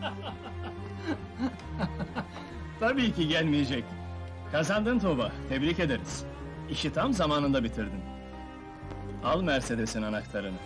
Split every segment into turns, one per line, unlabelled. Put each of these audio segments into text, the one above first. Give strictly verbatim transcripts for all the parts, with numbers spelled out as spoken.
Tabii ki gelmeyecek. Kazandın Tuğba, tebrik ederiz. İşi tam zamanında bitirdin. Al Mercedes'in anahtarını.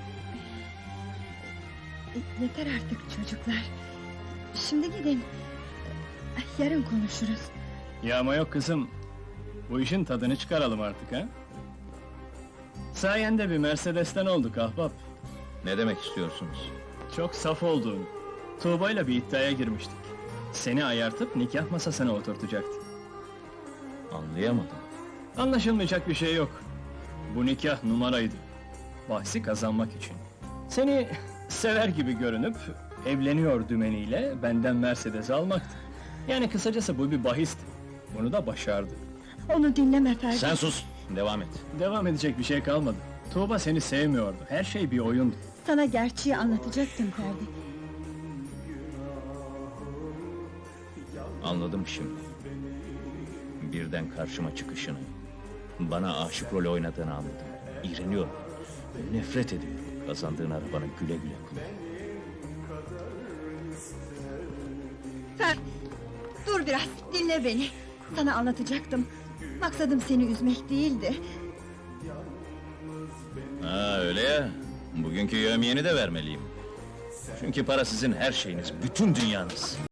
E, Yeter artık çocuklar. Şimdi gidin. Yarın konuşuruz.
Yağma yok kızım. Bu işin tadını çıkaralım artık ha? Sayende bir Mercedes'ten olduk ahbap.
Ne demek istiyorsunuz?
Çok saf olduğun. Tuğba'yla bir iddiaya girmiştik. Seni ayartıp nikah masasına oturtacaktı.
Anlayamadım.
Anlaşılmayacak bir şey yok. Bu nikah numaraydı. Bahsi kazanmak için. Seni sever gibi görünüp evleniyor dümeniyle benden Mercedes almaktı. Yani kısacası bu bir bahisti. Bunu da başardı.
Onu dinleme Ferdi.
Sen sus, devam et.
Devam edecek bir şey kalmadı. Tuğba seni sevmiyordu. Her şey bir oyundu.
Sana gerçeği anlatacaktım Ferdi.
Anladım şimdi. Birden karşıma çıkışını, bana aşık rolü oynadığını anladım. İğreniyorum, nefret ediyorum. Kazandığın arabanı güle güle kullan.
Ferdi, dur biraz, dinle beni. Sana anlatacaktım. Maksadım seni üzmek değildi.
Ha öyle ya, bugünkü yevmiyeni de vermeliyim. Çünkü para sizin her şeyiniz, bütün dünyanız.